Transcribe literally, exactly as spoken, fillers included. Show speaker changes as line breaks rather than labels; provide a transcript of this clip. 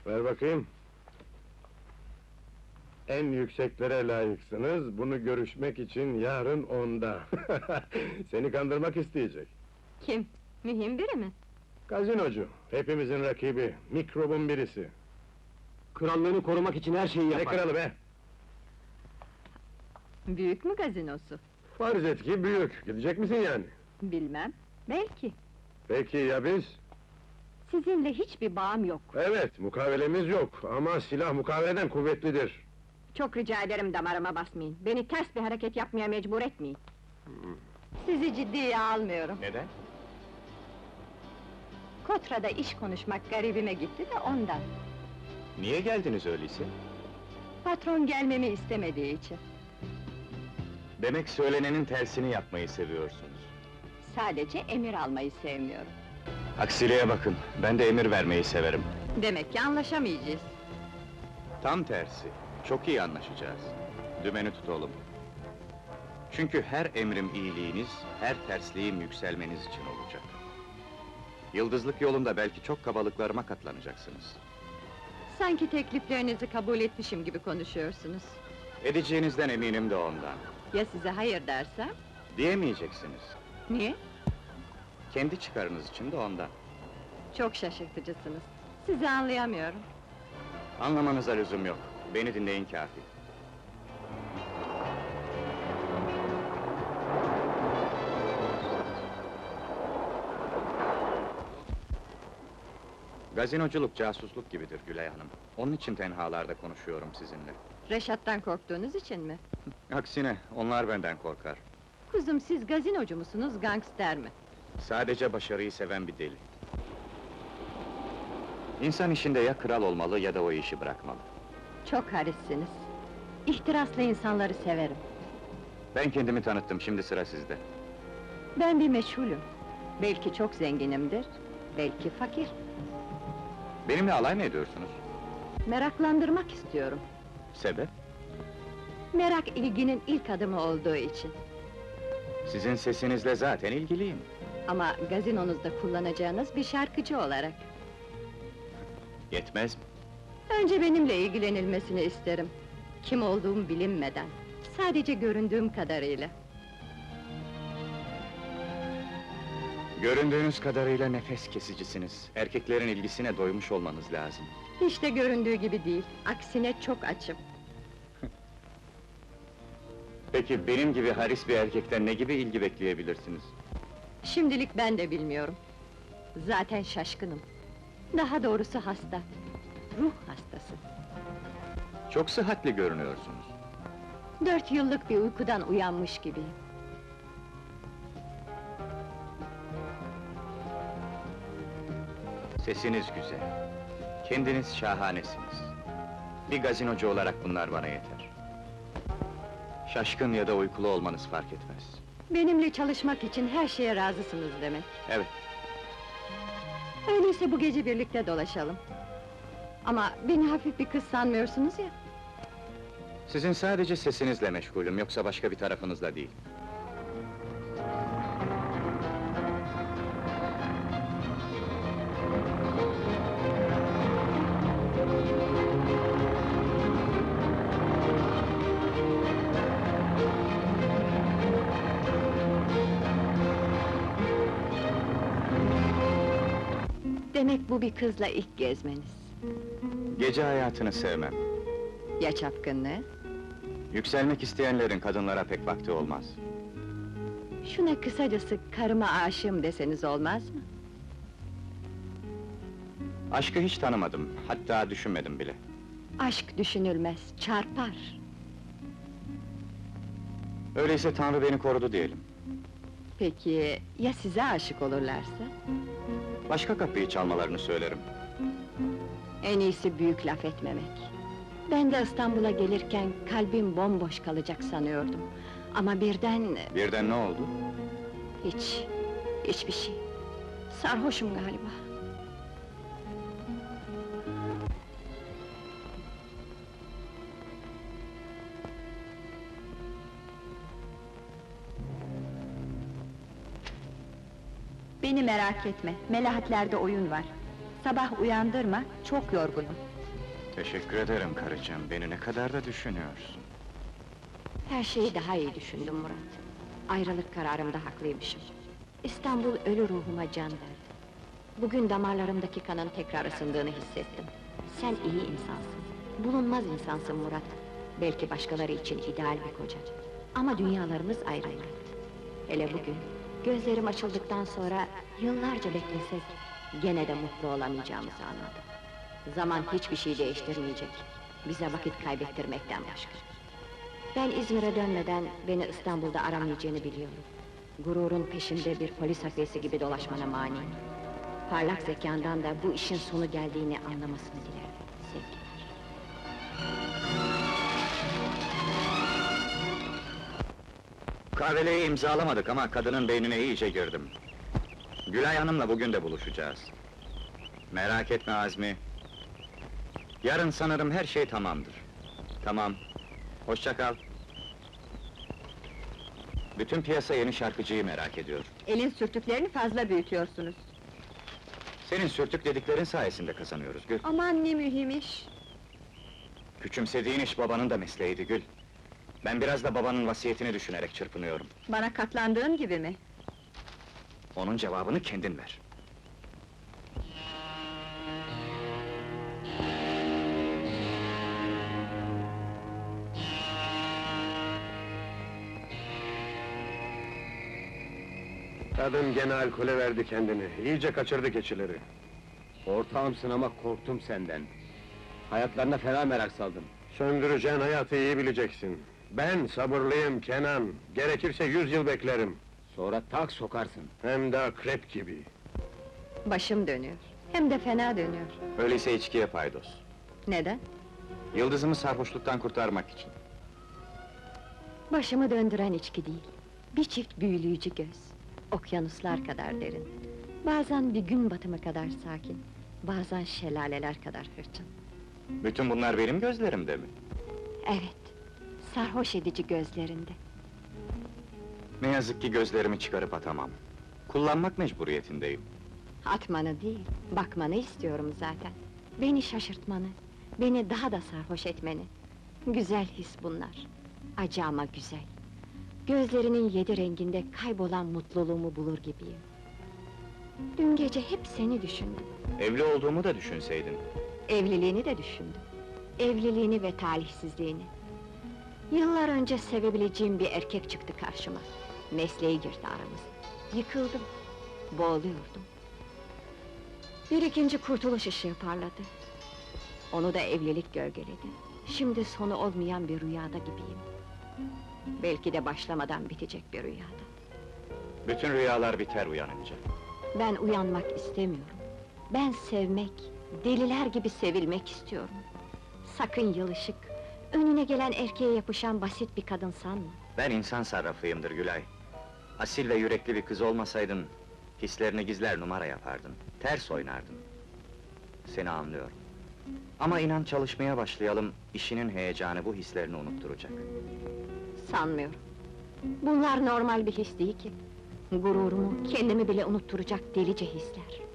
Ver bakayım. En yükseklere layıksınız, bunu görüşmek için yarın onda. Seni kandırmak isteyecek.
Kim? Mühim biri mi?
Gazinocu, hepimizin rakibi, mikrobun birisi.
Krallığını korumak için her şeyi
Ne
yapar.
kralı be?
Büyük mü gazinosu?
Farz et ki büyük, gidecek misin yani?
Bilmem, belki.
Peki ya biz?
Sizinle hiçbir bağım yok.
Evet, mukavelemiz yok ama silah mukaveleden kuvvetlidir.
Çok rica ederim damarıma basmayın. Beni ters bir hareket yapmaya mecbur etmeyin. Sizi ciddiye almıyorum.
Neden?
Kotra'da iş konuşmak garibime gitti de ondan.
Niye geldiniz öyleyse?
Patron gelmemi istemediği için.
Demek söylenenin tersini yapmayı seviyorsunuz.
Sadece emir almayı sevmiyorum.
Aksiliğe bakın, ben de emir vermeyi severim.
Demek ki anlaşamayacağız.
Tam tersi, çok iyi anlaşacağız. Dümeni tutalım. Çünkü her emrim iyiliğiniz, her tersliğim yükselmeniz için olacak. Yıldızlık yolunda belki çok kabalıklarıma katlanacaksınız.
Sanki tekliflerinizi kabul etmişim gibi konuşuyorsunuz.
Edeceğinizden eminim de ondan.
Ya size hayır dersem?
Diyemeyeceksiniz.
Niye?
Kendi çıkarınız için de ondan.
Çok şaşırtıcısınız. Sizi anlayamıyorum.
Anlamanıza lüzum yok. Beni dinleyin kâfi. Gazinoculuk casusluk gibidir Gülay Hanım. Onun için tenhalarda konuşuyorum sizinle.
Reşat'tan korktuğunuz için mi?
Aksine, onlar benden korkar.
Kuzum, siz gazinocu musunuz, gangster mi?
Sadece başarıyı seven bir deli. İnsan işinde ya kral olmalı ya da o işi bırakmalı.
Çok harissiniz. İhtiraslı insanları severim.
Ben kendimi tanıttım, şimdi sıra sizde.
Ben bir meşhulüm. Belki çok zenginimdir, belki fakir.
Benimle alay mı ediyorsunuz?
Meraklandırmak istiyorum.
Sebep?
Merak ilginin ilk adımı olduğu için.
Sizin sesinizle zaten ilgiliyim.
Ama gazinonuzda kullanacağınız bir şarkıcı olarak.
Yetmez mi?
Önce benimle ilgilenilmesini isterim. Kim olduğum bilinmeden. Sadece göründüğüm kadarıyla.
Göründüğünüz kadarıyla nefes kesicisiniz. Erkeklerin ilgisine doymuş olmanız lazım.
Hiç de göründüğü gibi değil. Aksine çok açım.
Peki benim gibi haris bir erkekten ne gibi ilgi bekleyebilirsiniz?
Şimdilik ben de bilmiyorum. Zaten şaşkınım. Daha doğrusu hasta. Ruh hastası.
Çok sıhhatli görünüyorsunuz.
Dört yıllık bir uykudan uyanmış gibiyim.
Sesiniz güzel. Kendiniz şahanesiniz. Bir gazinocu olarak bunlar bana yeter. Şaşkın ya da uykulu olmanız fark etmez.
Benimle çalışmak için her şeye razısınız demek.
Evet,
Öyleyse bu gece birlikte dolaşalım. Ama beni hafif bir kız sanmıyorsunuz ya.
sizin sadece sesinizle meşgulüm, yoksa başka bir tarafınızla değil.
Demek bu bir kızla ilk gezmeniz.
Gece hayatını sevmem.
Ya çapkınlığı?
Yükselmek isteyenlerin kadınlara pek vakti olmaz.
Şuna kısacası karıma aşığım deseniz olmaz mı?
Aşkı hiç tanımadım, hatta düşünmedim bile.
Aşk düşünülmez, çarpar.
Öyleyse Tanrı beni korudu diyelim.
Peki, ya size aşık olurlarsa?
Başka kapıyı çalmalarını söylerim.
En iyisi büyük laf etmemek. Ben de İstanbul'a gelirken kalbim bomboş kalacak sanıyordum. Ama birden...
Birden ne oldu?
Hiç, hiçbir şey. Sarhoşum galiba.
Beni merak etme, Melahatlerde oyun var. Sabah uyandırma, çok yorgunum.
Teşekkür ederim karıcığım, beni ne kadar da düşünüyorsun.
Her şeyi daha iyi düşündüm Murat. Ayrılık kararımda haklıymışım. İstanbul ölü ruhuma can verdi. Bugün damarlarımdaki kanın tekrar ısındığını hissettim. Sen iyi insansın. Bulunmaz insansın Murat. Belki başkaları için ideal bir koca. Ama dünyalarımız ayrı Murat. Hele bugün, gözlerim açıldıktan sonra yıllarca beklesek, gene de mutlu olamayacağımızı anladım. Zaman hiçbir şey değiştirmeyecek. Bize vakit kaybettirmekten başka. Ben İzmir'e dönmeden beni İstanbul'da aramayacağını biliyorum. Gururun peşinde bir polis hafiyesi gibi dolaşmana maniyim. Parlak zekandan da bu işin sonu geldiğini anlamasını dilerim. Sevgiler.
Kahveleyi imzalamadık ama kadının beynine iyice girdim. Gülay Hanım'la bugün de buluşacağız. Merak etme Azmi. Yarın sanırım her şey tamamdır. Tamam. Hoşça kal. Bütün piyasa yeni şarkıcıyı merak ediyor.
Elin sürtüklerini fazla büyütüyorsunuz.
Senin sürtük dediklerin sayesinde kazanıyoruz Gül.
Aman ne mühim iş.
Küçümsediğin iş babanın da mesleğiydi Gül. Ben biraz da babanın vasiyetini düşünerek çırpınıyorum.
Bana katlandığın gibi mi?
Onun cevabını kendin ver.
Kadın gene alkole verdi kendini, iyice kaçırdı keçileri.
Ortağımsın ama korktum senden. Hayatlarına fena merak saldım.
Söndüreceğin hayatı iyi bileceksin. Ben sabırlıyım Kenan, gerekirse yüz yıl beklerim.
Sonra tak sokarsın.
Hem de akrep gibi.
Başım dönüyor. Hem de fena dönüyor.
Öyleyse içkiye paydos.
Neden?
Yıldızımı sarhoşluktan kurtarmak için.
Başımı döndüren içki değil. Bir çift büyüleyici göz. Okyanuslar kadar derin. Bazen bir gün batımı kadar sakin. Bazen şelaleler kadar hırçın.
Bütün bunlar benim gözlerimde mi?
Evet, sarhoş edici gözlerinde.
Ne yazık ki gözlerimi çıkarıp atamam. Kullanmak mecburiyetindeyim.
Atmanı değil, bakmanı istiyorum zaten. Beni şaşırtmanı, beni daha da sarhoş etmeni. Güzel his bunlar. Acı ama güzel. Gözlerinin yedi renginde kaybolan mutluluğumu bulur gibiyim. Dün gece hep seni düşündüm.
Evli olduğumu da düşünseydin.
Evliliğini de düşündüm. Evliliğini ve talihsizliğini. Yıllar önce sevebileceğim bir erkek çıktı karşıma. Mesleği girdi aramıza. Yıkıldım. Boğuluyordum. Bir ikinci kurtuluş ışığı parladı. Onu da evlilik gölgeledi. Şimdi sonu olmayan bir rüyada gibiyim. Belki de başlamadan bitecek bir rüyada.
Bütün rüyalar biter uyanınca.
Ben uyanmak istemiyorum. Ben sevmek, deliler gibi sevilmek istiyorum. Sakın yılışık, önüne gelen erkeğe yapışan basit bir kadın sanma.
Ben insan sarrafıyımdır Gülay. Asil ve yürekli bir kız olmasaydın, hislerini gizler numara yapardın, ters oynardın. Seni anlıyorum. Ama inan çalışmaya başlayalım, işinin heyecanı bu hislerini unutturacak.
Sanmıyorum. Bunlar normal bir his değil ki. Gururumu, kendimi bile unutturacak delice hisler.